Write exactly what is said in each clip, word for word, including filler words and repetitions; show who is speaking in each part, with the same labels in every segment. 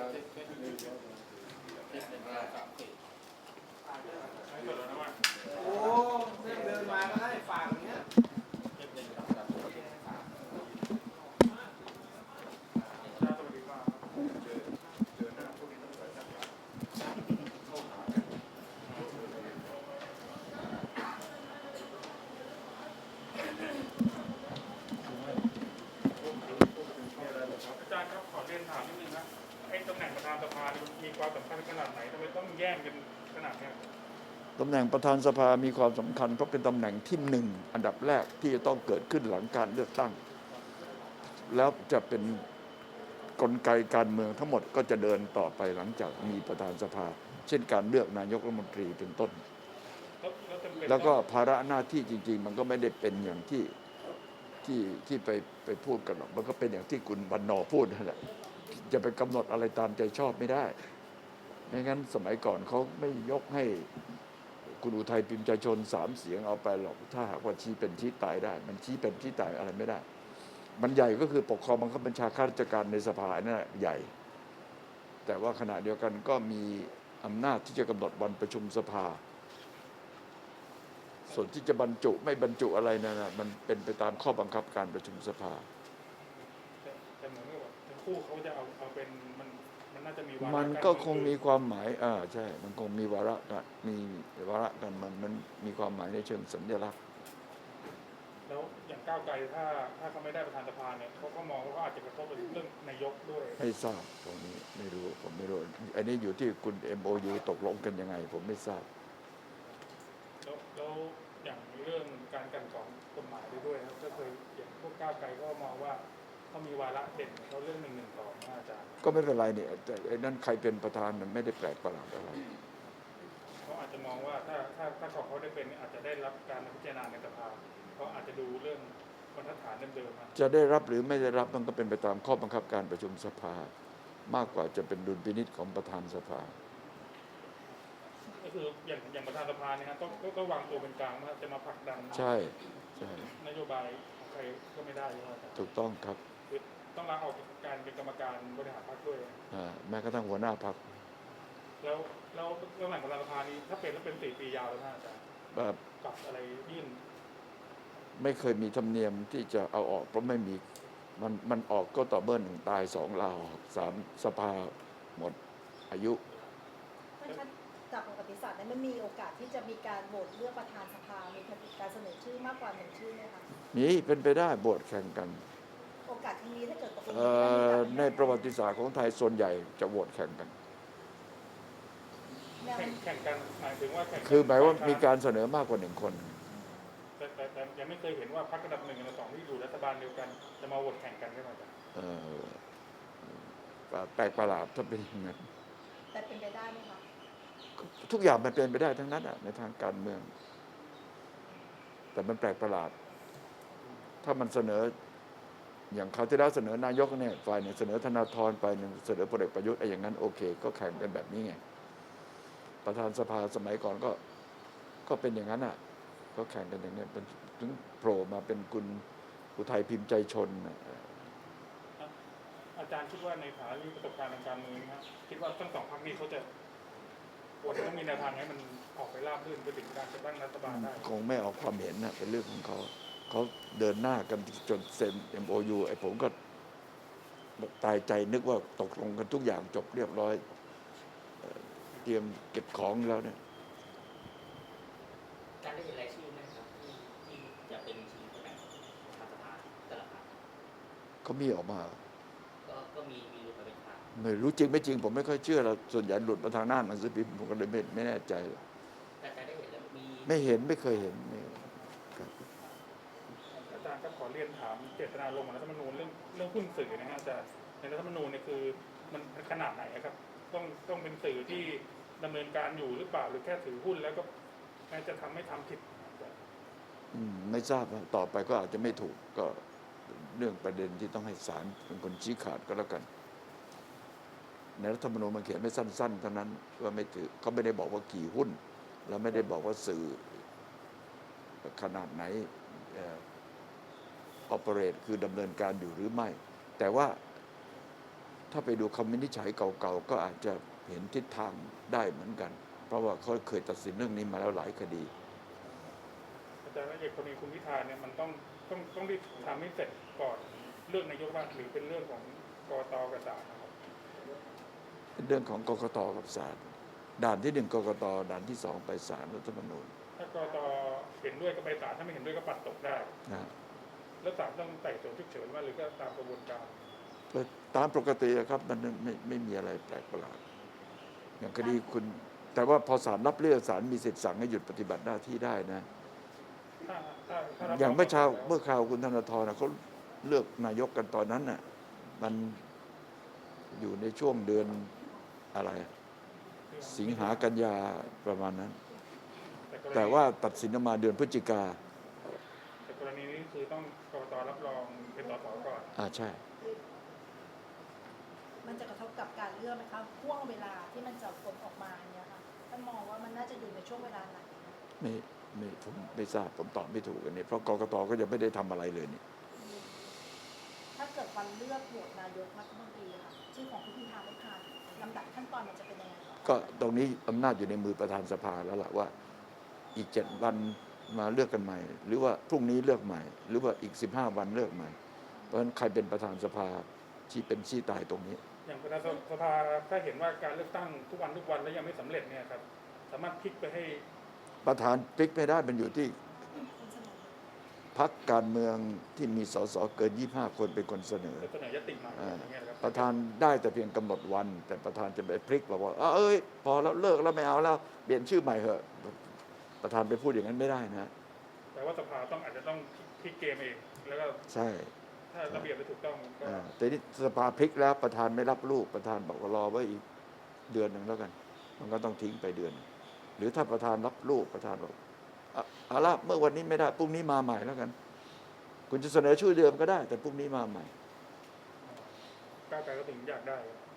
Speaker 1: โอ้เดินมาก็ได้ฝากอย่างเงี้ย
Speaker 2: อาจารย์ครับขอเรียนถามนิดนึงนะไอ้ตำแหน่งประธานสภามีความสำคัญขนาดไหนทำไมต้องแย่งกันขนาดนี้
Speaker 3: ตำแหน่งประธานสภามีความสำคัญเพราะเป็นตำแหน่งที่หนึ่งอันดับแรกที่จะต้องเกิดขึ้นหลังการเลือกตั้งแล้วจะเป็นกลไกการเมืองทั้งหมดก็จะเดินต่อไปหลังจากมีประธานสภาเช่นการเลือกนายกรัฐมนตรีเป็นต้นแล้วก็ภาระหน้าที่จริงๆมันก็ไม่ได้เป็นอย่างที่ที่ที่ไปไปพูดกันหรอกมันก็เป็นอย่างที่คุณบรรณอพูดนั่นแหละจะไปกำหนดอะไรตามใจชอบไม่ได้ไม่งั้นสมัยก่อนเขาไม่ยกให้คุณอุทัยพิมพ์ใจชนสามเสียงเอาไปหรอกถ้าหากว่าชี้เป็นชี้ตายได้มันชี้เป็นชี้ตายอะไรไม่ได้มันใหญ่ก็คือปกครองบังคับบัญชาข้าราชการในสภานั่นแหละใหญ่แต่ว่าขณะเดียวกันก็มีอำนาจที่จะกำหนดวันประชุมสภาส่วนที่จะบรรจุไม่บรรจุอะไรนั่นนะมันเป็นไปตามข้อบังคับการประชุมสภา
Speaker 2: แต่เหมือนกับทั้งคู่เขาจะเอาเอาเป็นมันมันน่าจะมีวาระ
Speaker 3: มันก็คงมีความหมายอ่าใช่มันคงมีวาระกันมีวาระกันมันมันมีความหมายในเชิงสัญลักษณ์
Speaker 2: แล้วอย่างก้าวไกลถ้าถ้าเขาไม่ได้ประธานสภาเนี่ยเขาก็มองว่าเขาอาจจะกระทบไปเรื่องนายกด้วย
Speaker 3: ไม่ทราบตรงนี้ไม่รู้ผมไม่รู้อันนี้อยู่ที่คุณ เอ็ม โอ ยู ตกลงกันยังไงผมไม่ทราบ
Speaker 2: แล้วแล้วอย่างเรื่องการกันกรองกฎหมายด้วยครับก็เคยอย่างพวกก้าวไกลก็มองว่าเขามีวาระเด่นเขาเรื่องหนึ่งหนึ่งสองอาจารย์
Speaker 3: ก็ไม่เป็นไรเนี่ยแต่ไอ้นั่นใครเป็นประธานมันไม่ได้แปลกประหลาดอะไร
Speaker 2: เขาอาจจะมองว่าถ้าถ้าถ้าของเขาได้เป็นอาจจะได้รับการพิจารณาในสภาเขาอาจจะดูเรื่องบรรทัดฐานเดิมๆ
Speaker 3: จะได้รับหรือไม่ได้รับมันก็เป็นไปตามข้อบังคับการประชุมสภามากกว่าจะเป็นดุลพินิจของประธานสภา
Speaker 2: ก็คืออย่างอย่างประธานสภาเนี่ยฮะต้องก็วางตัวเป็นกลางว่าจะมาผลักดัน
Speaker 3: ใช่ใช่
Speaker 2: นโยบายของใครก็ไม่ได้ใช่ไหมครับ
Speaker 3: ถูกต้องครับ
Speaker 2: ต้องลาออกจากการเป็นกรรมการบริหารพรรคด้วย
Speaker 3: แม้กระทั่งหัวหน้าพรรค
Speaker 2: แล้วแล้วตำแหน่งประธานสภานี้ถ้าเป็นแล้วเป็นสี่ปียาวแล้วนะอาจารย์
Speaker 3: แบบ
Speaker 2: กับอะไรยื่น
Speaker 3: ไม่เคยมีธรรมเนียมที่จะเอาออกเพราะไม่มีมันมันออกก็ต่อเบิ้ลหนึ่งตายสองลาออกสามสภาหมดอายุ
Speaker 4: จากประวัติศาสตร์นั้นมันมีโอกาสที่จะมีการโหวตเลือกประธานสภามีการเสนอชื่อมากกว่าหนึ่งชื่อไหมคะ
Speaker 3: มีเป็นไปได้โหวตแข่งกัน
Speaker 4: โอกาสที่นี้ถ้าเกิดตกลง
Speaker 3: ในประวัติศาสตร์ของไทยส่วนใหญ่จะโหวตแข่งกัน
Speaker 2: แข่งกันหมายถึงว่าแข่ง
Speaker 3: คือหมายว่ามีการเสนอมากกว่าหนึ่งคน
Speaker 2: แต่แต่แต่ยังไม่เคยเห็นว่าพรรคระดับหนึ่งและสองที่อยู่รัฐบาลเดียวกันจะมาโหวตแข่งกันใช่ไหมจ๊ะ
Speaker 3: เออแปลกประหลาดถ้าเป็นอย่างนั้น
Speaker 4: แต่เป็นไปได้ไหมคะ
Speaker 3: ทุกอย่างมันเป็นไปได้ทั้งนั้นอ่ะในทางการเมืองแต่มันแปลกประหลาดถ้ามันเสนออย่างเขาที่แล้วเสนอนายกเนี่ยฝ่ายหนึ่งเสนอธนาธรฝ่ายหนึ่งเสนอพลเอกประยุทธ์ไอ้อย่างนั้นโอเคก็แข่งกันแบบนี้ไงประธานสภาสมัยก่อนก็ก็เป็นอย่างนั้นอ่ะก็แข่งกันอย่างนี้เป็นถึงโผล่มาเป็นคุณอุทัยพิมพ์ใจชน
Speaker 2: อาจารย์คิดว่าในฐานะประสบการณ์ทางการเมืองนะคิดว่าทั้งสองพรรคนี้เขาจะควรต้องมีแนวทางให้มันออกไปราบรื่นไปถึงการจัดตั้งรัฐบาลได้
Speaker 3: คงไม่ออกความเห็นนะเป็นเรื่องของเขาเขาเดินหน้ากันจนเซ็น เอ็ม โอ ยู ไอ้ผมก็ตายใจนึกว่าตกลงกันทุกอย่างจบเรียบร้อยเตรียมเก็บของแล้วเนี่ย
Speaker 5: การได้เห็นรายชื่อไหมครับที่ที่จะเป็นชิงตำแหน่งประธานสภาแต่ละพรรค
Speaker 3: เขามีออกมา
Speaker 5: ก็ก็มีมีหลุดมาเป็นข่าว
Speaker 3: ไม่รู้จริงไม่จริงผมไม่ค่อยเชื่อเราส่วนใหญ่หลุดมาทางหน้าหนังสือพิมพ์ผมก็เลยไม่ไม่แน่ใจ
Speaker 5: แต่แต่ได้เห็นแล้วมี
Speaker 3: ไม่เห็นไม่เคยเห็น
Speaker 2: อาจารย์ก็ขอเรียนถามเจตนารมณ์ของรัฐธรรมนูญเรื่องเรื่องหุ้นสื่อนะฮะอาจารย์ในรัฐธรรมนูญเนี่ยคือมันขนาดไหนครับต้องต้องเป็นสื่อที่ดำเนินการอยู่หรือเปล่าหรือแค่ถือหุ้นแล้วก็แม้จะทำไม่ทำผิด
Speaker 3: ไม่ทราบต่อไปก็อาจจะไม่ถูกก็เรื่องประเด็นที่ต้องให้ศาลเป็นคนชี้ขาดก็แล้วกันในรัฐธรรมนูญมันเขียนไม่สั้นๆเท่านั้นว่าไม่ถือเขาไม่ได้บอกว่ากี่หุ้นแล้วไม่ได้บอกว่าสื่อขนาดไหนออเปเรตคือดำเนินการอยู่หรือไม่แต่ว่าถ้าไปดูคำวินิจฉัยเก่าๆก็อาจจะเห็นทิศทางได้เหมือนกัน เพราะว่าเขาเคยตัดสินเรื่องนี้มาแล้วหลายคดี
Speaker 2: อาจารย์ละเอียดกรณีคุณพิธาเนี่ยมันต้องต้องต้องรีบทำให้เสร็จก่อนเลือกนายกบ้างหรือเป็นเรื่องของกตกับศาลนะครับ
Speaker 3: เป็นเรื่องของกกตกับศาลด่านที่หนึ่งกกตด่านที่สองไปศาลรัฐธรรมนูญ
Speaker 2: ถ้ากตเห็นด้วยก็ไปศาลถ้าไม่เห็นด้วยก็ปัดตกได้
Speaker 3: นะ
Speaker 2: แล้วศาลต้องไต่สวนฉุกเฉินว่าหรือก็ตามกระบวนการ
Speaker 3: ตามปกติอะครับมันไม่ไม่มีอะไรแปลกประหลาดอย่างคดีคุณ แต่ว่าพอศาลรับเรื่องศาลมีสิทธิ์สั่งให้หยุดปฏิบัติหน้าที่ได้นะ
Speaker 2: ถ้าถ้าถ้ารับ
Speaker 3: อย่างเมื่อเช้า
Speaker 2: แล้ว
Speaker 3: เมื่อคราวคุณธนาธรน่ะเขาเลือกนายกกันตอนนั้นน่ะมันอยู่ในช่วงเดือนอะไร สิงหากันยาประมาณนั้น
Speaker 2: แต่กรณี
Speaker 3: แต่ว่าตัดสินออกมาเดือนพฤศจิกา
Speaker 2: แต่กรณีนี้คือต้องกตรับรองเป็นสสก่อน
Speaker 3: อ่าใช่
Speaker 4: มันจะกระทบกับการเลือกไหมคะห่วงเวลาที่มันจะผลออกมาอย่างเงี้ยค่ะท่านมองว่ามันน่าจะอยู่ในช่วงเวลาไหน
Speaker 3: ไม่ไม่ผมไม่ทราบผมตอบไม่ถูกอันนี้เพราะกกตก็ยังไม่ได้ทำอะไรเลยนี่
Speaker 4: ถ้าเกิดวันเลือกโหวตนายกรัฐมนตรีค่ะชื่อของคุณพิธาไม่ผ่านลำดับขั้นตอนมันจะเป็นยังไงต่อ
Speaker 3: ก็ตรงนี้อำนาจอยู่ในมือประธานสภาแล้วล่ะว่าอีกเจ็ดวันมาเลือกกันใหม่ หรือว่าพรุ่งนี้เลือกใหม่ หรือว่าอีกสิบห้าวันเลือกใหม่ เพราะฉะนั้นใครเป็นประธานสภาที่เป็นชี้ตายตรงนี้
Speaker 2: อย่างประธานสภาถ้าเห็นว่าการเลือกตั้งทุกวันทุกวันแล้วยังไม่สำเร็จเนี่ยครับสามารถพลิกไปให้
Speaker 3: ประธานพลิกไม่ได้มันอยู่ที่
Speaker 4: คนเสนอ
Speaker 3: พรรคการเมืองที่มีสสเกินยี่สิบห้าคนเป็นคนเสนอ
Speaker 2: เสนอยติมา
Speaker 3: อ่า
Speaker 2: อย่างเงี้ยครับ
Speaker 3: ประธานได้แต่เพียงกำหนดวัน แต่ประธานจะไปพลิกบอกว่าเอ้ยพอแล้วเลิกแล้วไม่เอาแล้วเปลี่ยนชื่อใหม่เถอะประธานไปพูดอย่างนั้นไม่ได้นะ
Speaker 2: แต่ว่าสภาต้องอาจจะต้องพลิกเกมเองแล้วก็
Speaker 3: ใช่
Speaker 2: ถ้าระเบียบไม่ถูกต้องก็
Speaker 3: อ่าแต่นี่สภาพลิกแล้วประธานไม่รับลูกประธานบอกว่ารอไว้อีกเดือนหนึ่งแล้วกัน มันก็ต้องทิ้งไปเดือนหนึ่งหรือถ้าประธานรับลูกประธานบอกอ่ะเอาละเมื่อวันนี้ไม่ได้พรุ่งนี้มาใหม่แล้วกัน คุณจะเสนอชื่อเดิมก็ได้ แต่พรุ่งนี้มาใหม่
Speaker 2: ก้าวไกลก็ถึงอยากได้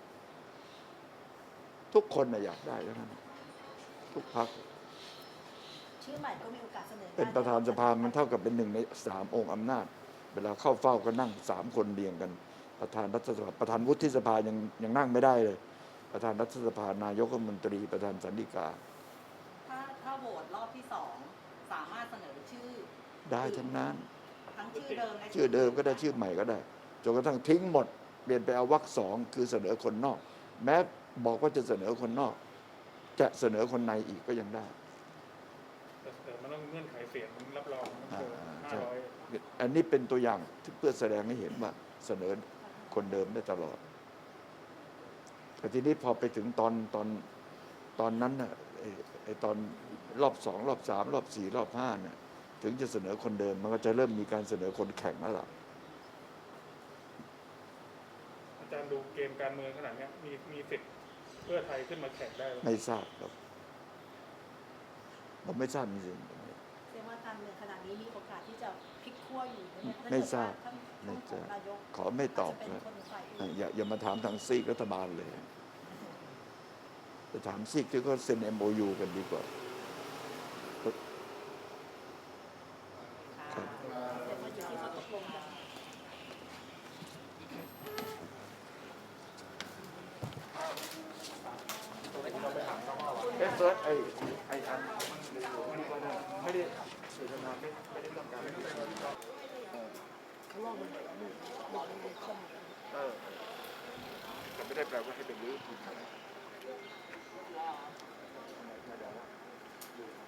Speaker 3: ทุกคนนะอยากได้แล้วนั้นทุกพรรค
Speaker 4: ชื่อใหม่ก็มีโอกาสเสนอได้
Speaker 3: เป็นประธานสภามันเท่ากับเป็นหนึ่งในสามองค์อำนาจ เวลาเข้าเฝ้าก็นั่งสามคนเรียงกัน ประธานรัฐสภาประธานวุฒิสภายังยังนั่งไม่ได้เลย ประธานรัฐสภานายกรัฐมนตรีประธานสันติกา
Speaker 6: ถ้าถ้าโหวตรอบที่สองสามารถเสนอชื่อ
Speaker 3: ได้ทั้งนั้น
Speaker 6: ทั้งชื่อเดิมและ
Speaker 3: ชื่อเดิมก็ได้ชื่อใหม่ก็ได้จนกระทั่งทิ้งหมดเปลี่ยนไปเอาวรรคสองคือเสนอคนนอก แม้บอกว่าจะเสนอคนนอก จะเสนอคนในอีกก็ยังได้
Speaker 2: แต่มันต้องเงื่อนไขเสียงรับรองมันต้องเกิน
Speaker 3: อ่า
Speaker 2: ห้า
Speaker 3: ใช่
Speaker 2: ร้อย
Speaker 3: อันนี้เป็นตัวอย่างที่เพื่อแสดงให้เห็นว่าเสนอคนเดิมได้ตลอด แต่ทีนี้พอไปถึงตอนตอนตอนนั้นน่ะไอ้ไอ้ตอนรอบสองรอบสามรอบสี่รอบห้าน่ะถึงจะเสนอคนเดิมมันก็จะเริ่มมีการเสนอคนแข่งแล้วล่ะ
Speaker 2: อาจารย์ดูเกมการเมืองขนาดเนี้ยมีมีสิทธิ์เพื่อไทยขึ้นมาแข่งได้ไหม
Speaker 3: ไม่ทราบครับผมไม่ทราบจริงๆตรงนี้
Speaker 4: แสดงว่าการเมืองขนาดนี้มีโอกาสที่จะพลิกขั้วอยู่ไหมคะ
Speaker 3: ไม่ทราบ
Speaker 4: ท่าน
Speaker 3: ไม่
Speaker 4: ท่าน
Speaker 3: ทราบ
Speaker 4: นายก
Speaker 3: ขอไม่ตอบ
Speaker 4: าจจะเป็น
Speaker 3: นะ
Speaker 4: คนฝ่ายอื่น
Speaker 3: อ่ะอย่าอย่ามาถามทางซีกรัฐบาลเลยจะถามซีกที่เขาเซ็น เอ็ม โอ ยู กันดีกว่า ครับ
Speaker 4: แต่ว่าอยู่ที่เขาตกลงกัน
Speaker 3: เอ๊ะเฟิร์สไอ้ไอ้อันไม่ได้เจตนาไม่ไม่ได้ต้องการให้เออแต่ไม่ได้แปลว่าให้เป็นรื้อคุณ